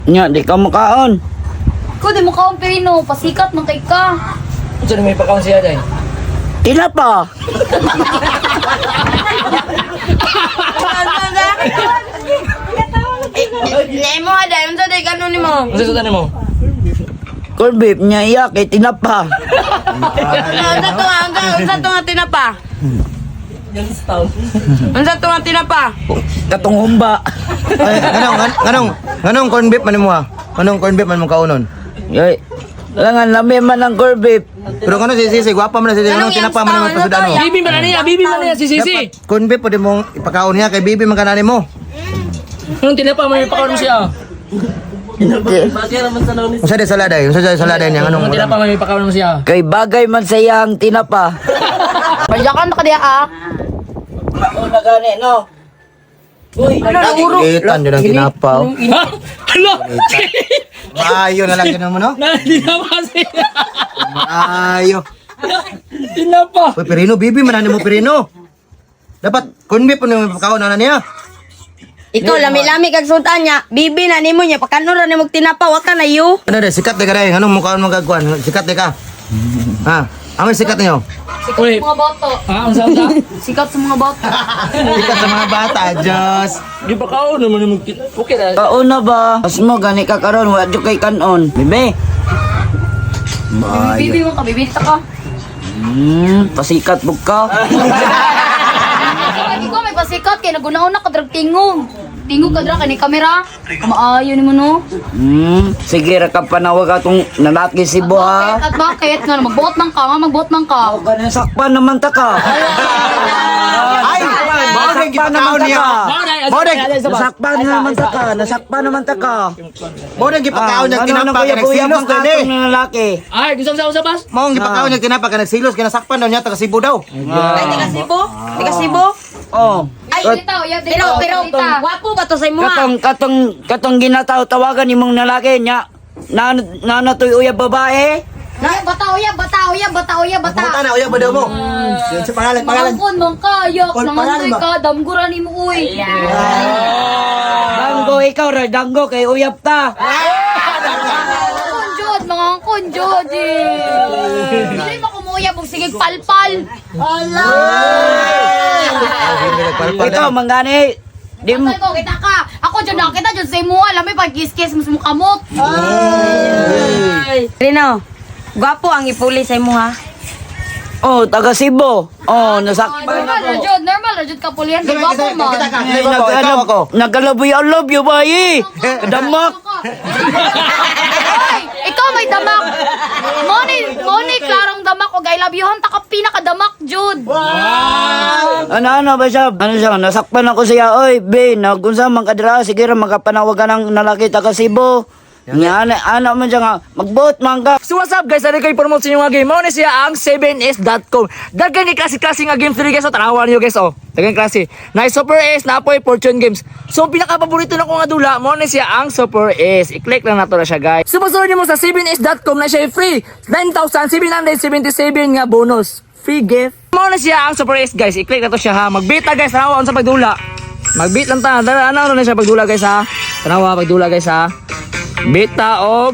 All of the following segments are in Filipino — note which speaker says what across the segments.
Speaker 1: Nya, di ka makaon.
Speaker 2: Ko di mo kaon Pirino, pasikat man kay ka.
Speaker 3: Unsa may pakaon siya day?
Speaker 1: Tinapa.
Speaker 4: Nemo ada, unsa day kanon nimo?
Speaker 3: Unsa sudan mo?
Speaker 1: Corn beef niya iya kay tinapa.
Speaker 4: Unsa to nga tinapa? Unsa to nga tinapa?
Speaker 1: Katong humba.
Speaker 5: Ay, nganong corn beef man mo ha? Anong corn beef man mo kaunon?
Speaker 1: Yoy. Langan lami man ang corn beef.
Speaker 5: Pero kano si Sisi, gwapa man na si Sisi, anong tinapa man mo pasudano?
Speaker 3: Bibi man niya si Sisi.
Speaker 5: Corn beef pwede mong ipakaon niya kay bibi man kanani mo.
Speaker 3: Anong tinapa may pakaon mo siya?
Speaker 5: Unsa day saladay? Unsa day saladay niya
Speaker 3: Anong
Speaker 5: anong
Speaker 3: tinapa may pakaon mo siya?
Speaker 1: Kay bagay man sa iyang tinapa.
Speaker 4: Pajakan ka diya ah.
Speaker 1: Mao na gani no. Uy,
Speaker 5: Itan din ang tinapa.
Speaker 3: Ha? Hala!
Speaker 5: Maayo na lang ganun mo no?
Speaker 3: Tinapa siya.
Speaker 5: Maayo.
Speaker 3: Tinapa.
Speaker 5: Uy, Pirino, bibi man mo Pirino. Dapat corn beef man yung ipakaon na niya.
Speaker 4: Ikaw lami-lami kag sultan niya. Bibi na nimo niya pakanon ra nimo tinapa wa ka na yu.
Speaker 5: Ano day, sikat day ka day. Anong mukhaon mo gagkuhan? Sikat day ka. Ha? Amoy sikat niyo.
Speaker 2: Sikat
Speaker 3: Uy.
Speaker 2: sa mga bata.
Speaker 3: Ah, unsa unsa?
Speaker 2: Sikat sa mga bata.
Speaker 5: Sikat sa mga bata, Diyos.
Speaker 3: Di pakaon naman mo. Okay na.
Speaker 1: kauna ba? As mo gani ka karon wa jud kay kanon. Bibi.
Speaker 2: Bibi mo ka, bibita ka.
Speaker 1: Pasikat bug ka.
Speaker 2: Lagi ko may pasikat kay nagunaon na kadrag tingog. Tingog kadra kani kamera. Maayo nimo no.
Speaker 1: Sige ra ka panawag atong nalaki si Buha.
Speaker 2: At bakit nga magbuot man ka, magbuot man ka.
Speaker 1: Ganun sakpan naman ta ka.
Speaker 5: Ay, mao din gipakaon niya. Mao din,
Speaker 1: Nasakpan naman ta ka. Nasakpan naman ta ka.
Speaker 5: mao din gipakaon niya
Speaker 1: Ano
Speaker 5: tinapa ka
Speaker 1: kuya
Speaker 5: nagsilos
Speaker 1: ka
Speaker 5: din eh.
Speaker 1: atong lalaki.
Speaker 3: Ay, gusto sa usap bas?
Speaker 5: Mao ang gipakaon niya tinapa ka nagsilos kinasakpan daw niya taga Cebu daw.
Speaker 4: Ay di ka Cebu? Di ka Cebu?
Speaker 1: Oh.
Speaker 2: Ay, dito, ya dito.
Speaker 4: Pero wapo ba to sa imo?
Speaker 1: Katong ginataw tawagan nimong lalaki niya. Na toy uyab babae.
Speaker 2: Bata.
Speaker 5: Pumunta na uyab ba daw mo? Sa pangalan.
Speaker 2: Mangkon mong kayak,
Speaker 5: Kon,
Speaker 2: nangantoy
Speaker 5: pangalan ba?
Speaker 2: ka, damguran ni mo uy.
Speaker 1: Danggo ikaw ra danggo kay uyab ta.
Speaker 2: Kunjod, mga kunjod eh. Dili mo kumuyab og sige palpal.
Speaker 1: Ikaw mangani. Di mo
Speaker 2: Patay ko, kita ka. Ako dyan nakita dyan sa imo, alam mo, pag kiss-kiss mo sa mukha mo.
Speaker 4: Rino, gwapo ang ipuli sa imo ha.
Speaker 1: Oh, taga Cebu. Oh, nasakpan
Speaker 2: Normal na dyan ka pulihan, di ba po man?
Speaker 5: Ikaw ako.
Speaker 1: Nagalaboy I love you bayi. Kadamak.
Speaker 2: Ay, ikaw may damak. Moni, klarong damak o I love you, hanta ka pinakadamak, Jude.
Speaker 1: Ano ba siya? Ano siya? Nasakpan ako siya. Oy, be, nagunsa man kadra. Sige ra magapanawagan ng lalaki taga Cebu. Nya ano man siya nga magbuot man ka.
Speaker 3: So what's up guys, ari kay promote sa inyo nga game. Mao na siya ang 7s.com. Daghan ni klase-klase nga game 3 guys. So tanawan niyo guys oh. Daghan klase. Na Super S na apoy Fortune Games. So ang pinaka-paborito na ko nga dula, mao na siya ang Super S. I-click lang nato na siya guys. So masunod niyo mo sa 7s.com na siya free 9,777 nga bonus. Free gift. Mao na siya ang Super S guys. I-click na to siya ha. Magbita guys, tanawa sa pagdula. Magbit lang ta. Ano na siya pagdula guys ha. Tanawa pagdula guys ha. Bita og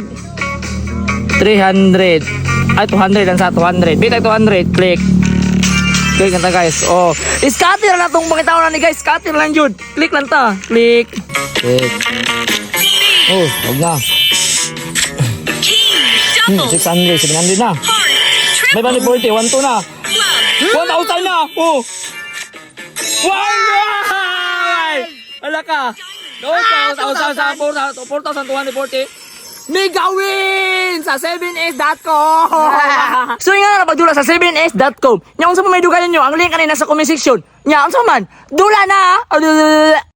Speaker 3: 300. Ay 200 lang sa 200. Bita 200. Click. Click lang ta guys. Oh, scatter na tong pangitaw na ni guys. Scatter lang jud. Click lang ta. Click. Click. Oh, wag na. 600, 700 na. May bali 40, 1 to na. 1,000 na. Oh. Wow! Ala ka. 4,240. Mega win sa 7s.com. So yung nga napagdula sa 7s.com. Nya unsa pa may dugalan nyo, ang link kanina sa comment section. Nya unsa man? Dula na.